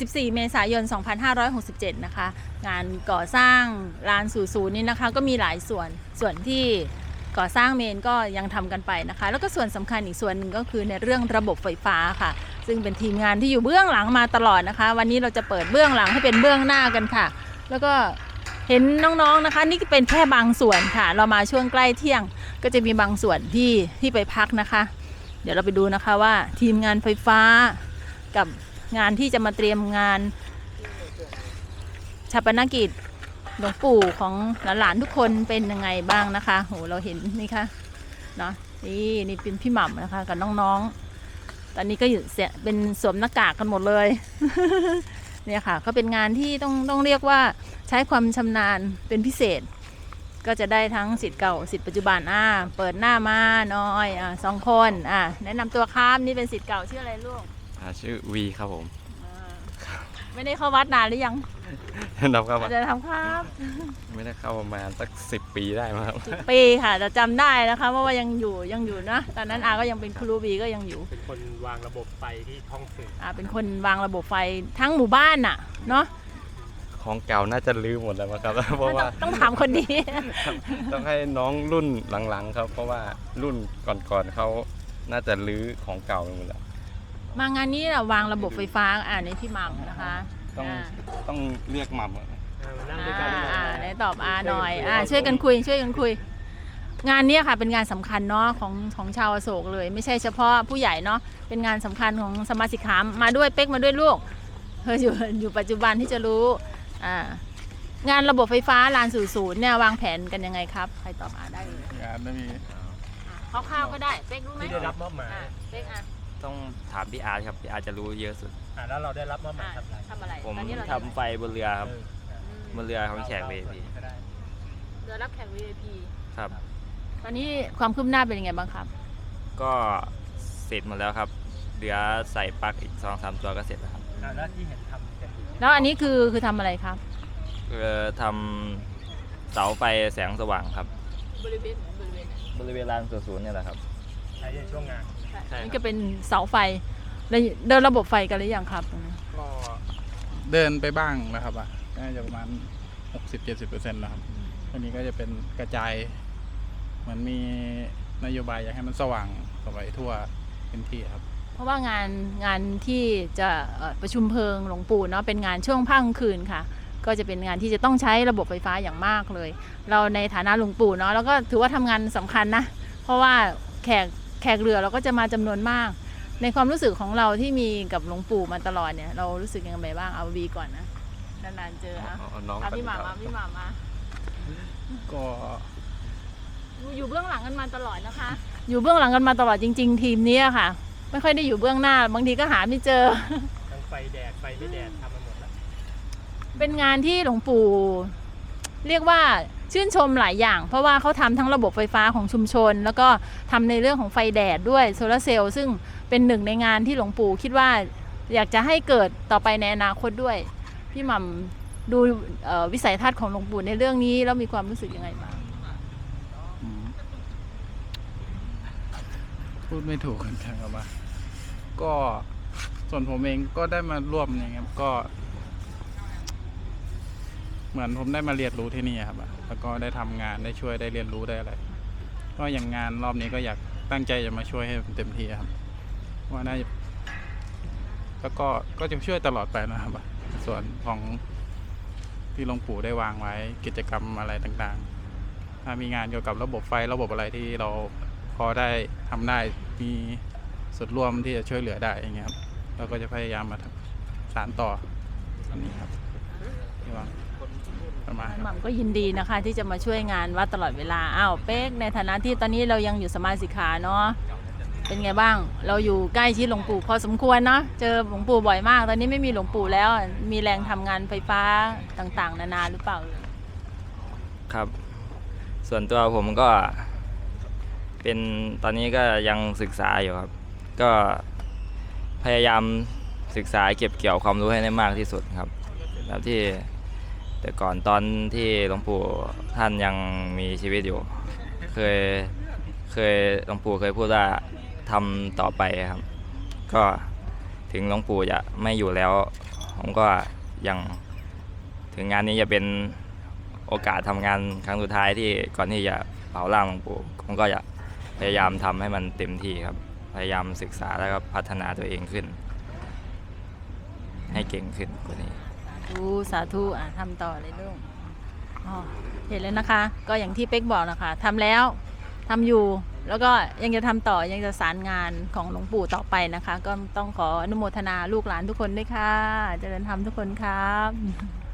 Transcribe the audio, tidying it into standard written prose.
14 เมษายน 2567 นะคะงานก่อสร้างลานสู่ศูนย์นี้นะคะก็มีหลายส่วนที่ก่อสร้างเมนก็ยังทำกันไปนะคะแล้วก็ส่วนสำคัญอีกส่วนหนึ่งก็คือในเรื่องระบบไฟฟ้าค่ะซึ่งเป็นทีมงานที่อยู่เบื้องหลังมาตลอดนะคะวันนี้เราจะเปิดเบื้องหลังให้เป็นเบื้องหน้ากันค่ะแล้วก็เห็นน้องๆนะคะนี่เป็นแค่บางส่วนค่ะเรามาช่วงใกล้เที่ยงก็จะมีบางส่วนที่ไปพักนะคะเดี๋ยวเราไปดูนะคะว่าทีมงานไฟฟ้ากับงานที่จะมาเตรียมงานฌาปนกิจหลวงปู่ของหลานๆทุกคนเป็นยังไงบ้างนะคะโหเราเห็นนี่ค่ะเนาะนี่เป็นพี่หม่ำนะคะกับน้องๆตอนนี้ก็อยู่เป็นสวมหน้ากากกันหมดเลย เนี่ยค่ะก็เป็นงานที่ต้องเรียกว่าใช้ความชำนาญเป็นพิเศษก็จะได้ทั้งศิษย์เก่าศิษย์ปัจจุบันเปิดหน้ามาน้อย2 คนแนะนำตัวครับนี่เป็นศิษย์เก่าชื่ออะไรลูกชื่อวีครับผมไม่ได้เข้าวัดนานหรือยังนับครับจะทำครับไม่ได้เข้าประมาณสัก10 ปีได้มั้งครับ 10 ปีค่ะแต่จำได้นะคะเพราะว่ายังอยู่นะตอนนั้นก็ยังเป็นครูบีก็ยังอยู่เป็นคนวางระบบไฟที่ท้องถิ่นเป็นคนวางระบบไฟทั้งหมู่บ้านน่ะเนาะของเก่าน่าจะลืมหมดแล้วครับเพราะว่าต้องถามคนดีต้องให้น้องรุ่นหลังๆครับเพราะว่ารุ่นก่อนๆเขาน่าจะลื้อของเก่าไปหมดแล้วมางานนี้เราวางระบบไฟฟ้าในที่หม่ำนะคะต้องเรียกหม่ำได้ตอบหน่อยช่วยกันคุยงานนี้ค่ะเป็นงานสำคัญเนาะของชาวอโศกเลยไม่ใช่เฉพาะผู้ใหญ่เนาะเป็นงานสำคัญของสมาชิกขามมาด้วยเป๊กมาด้วยลูกอยู่ปัจจุบันที่จะรู้งานระบบไฟฟ้าลานสู่ศูนย์เนี่ยวางแผนกันยังไงครับใครตอบได้เลยงานไม่มีคร่าวๆก็ได้เป๊กรู้ไหมที่ได้รับมอบหมายเป๊กต้องถามพี่อาร์ตครับพี่อาร์ตจะรู้เยอะสุดแล้วเราได้รับมอบหมายทำอะไรผมทำไฟบนเรือครับบนเรือของแขก VIP เรือรับแขก VIP ครับตอนนี้ความคืบหน้าเป็นยังไงบ้างครับก็เสร็จหมดแล้วครับเหลือใส่ปลั๊กอีก 2-3 ตัวก็เสร็จแล้วครับแล้วที่เห็นทำกันอยู่แล้วอันนี้คือทำอะไรครับทำเสาไฟแสงสว่างครับบริเวณลานศูนย์เนี่ยแหละครับใช้ในช่วงงานนี่ก็เป็นเสาไฟเดินระบบไฟกันหรือยังครับก็เดินไปบ้างแล้วครับน่าจะประมาณ 60-70% แล้วครับอันนี้ก็จะเป็นกระจายเหมือนมีนโยบายอยากให้มันสว่างสวัยทั่วพื้นที่ครับเพราะว่างานที่จะประชุมเพลิงหลวงปู่เนาะเป็นงานช่วงภาคกลางคืนค่ะก็จะเป็นงานที่จะต้องใช้ระบบไฟฟ้าอย่างมากเลยเราในฐานะหลวงปู่เนาะแล้วก็ถือว่าทำงานสำคัญนะเพราะว่าแขกเรือเราก็จะมาจำนวนมากในความรู้สึกของเราที่มีกับหลวงปู่มาตลอดเนี่ยเรารู้สึกยังไงบ้างเอาวีก่อนนะนานๆเจอพี่หมามาก็อยู่เบื้องหลังกันมาตลอดนะคะอยู่เบื้องหลังกันมาตลอดจริงๆทีมนี้ค่ะไม่ค่อยได้อยู่เบื้องหน้าบางทีก็หาไม่เจอทั้งไฟแดดไฟไม่แดดทำมาหมดแล้วเป็นงานที่หลวงปู่เรียกว่าชื่นชมหลายอย่างเพราะว่าเขาทำทั้งระบบไฟฟ้าของชุมชนแล้วก็ทำในเรื่องของไฟแดดด้วยโซลาร์เซลล์ซึ่งเป็นหนึ่งในงานที่หลวงปู่คิดว่าอยากจะให้เกิดต่อไปในอนาคตด้วยพี่หม่ำดูวิสัยทัศน์ของหลวงปู่ในเรื่องนี้แล้วมีความรู้สึกยังไงบ้างพูดไม่ถูกกันครับว่าก็ส่วนผมเองก็ได้มาร่วมอย่างเงี้ยก็เหมือนผมได้มาเรียนรู้ที่นี่ครับแล้วก็ได้ทำงานได้ช่วยได้เรียนรู้ได้อะไรก็อย่างงานรอบนี้ก็อยากตั้งใจจะมาช่วยให้เต็มที่ครับว่าน่าจะแล้วก็จะช่วยตลอดไปนะครับส่วนของที่หลวงปู่ได้วางไว้กิจกรรมอะไรต่างๆถ้ามีงานเกี่ยวกับระบบไฟระบบอะไรที่เราพอได้ทำได้มีส่วนร่วมที่จะช่วยเหลือได้อย่างเงี้ยครับเราก็จะพยายามมาสานต่ออันนี้ครับที่ว่าหม่ำก็ยินดีนะคะที่จะมาช่วยงานวัดตลอดเวลาเป๊กในฐานะที่ตอนนี้เรายังอยู่สมาชิกขาเนาะเป็นไงบ้างเราอยู่ใกล้ชิดหลวงปู่พอสมควรเนาะเจอหลวงปู่บ่อยมากตอนนี้ไม่มีหลวงปู่แล้วมีแรงทำงานไฟฟ้าต่างๆนานาหรือเปล่าครับส่วนตัวผมก็เป็นตอนนี้ก็ยังศึกษาอยู่ครับก็พยายามศึกษาเก็บเกี่ยวความรู้ให้ได้มากที่สุดครับแบบที่แต่ก่อนตอนที่หลวงปู่ท่านยังมีชีวิตอยู่เคยหลวงปู่เคยพูดว่าทำต่อไปครับก็ถึงหลวงปู่จะไม่อยู่แล้วผมก็ยังถึงงานนี้จะเป็นโอกาสทำงานครั้งสุดท้ายที่ก่อนที่จะเผาร่างหลวงปู่ผมก็จะพยายามทำให้มันเต็มที่ครับพยายามศึกษาแล้วก็พัฒนาตัวเองขึ้น ให้เก่งขึ้นกว่านี้สาธุทำต่อเลยลูกอ๋อเห็นแล้วนะคะ ก็อย่างที่เป๊กบอกนะคะทำแล้วทำอยู่แล้วก็ยังจะทำต่อยังจะสารงานของหลวงปู่ต่อไปนะคะ ก็ต้องขออนุโมทนาลูกหลานทุกคนด้วยค่ะเจริญธรรมทุกคนครับ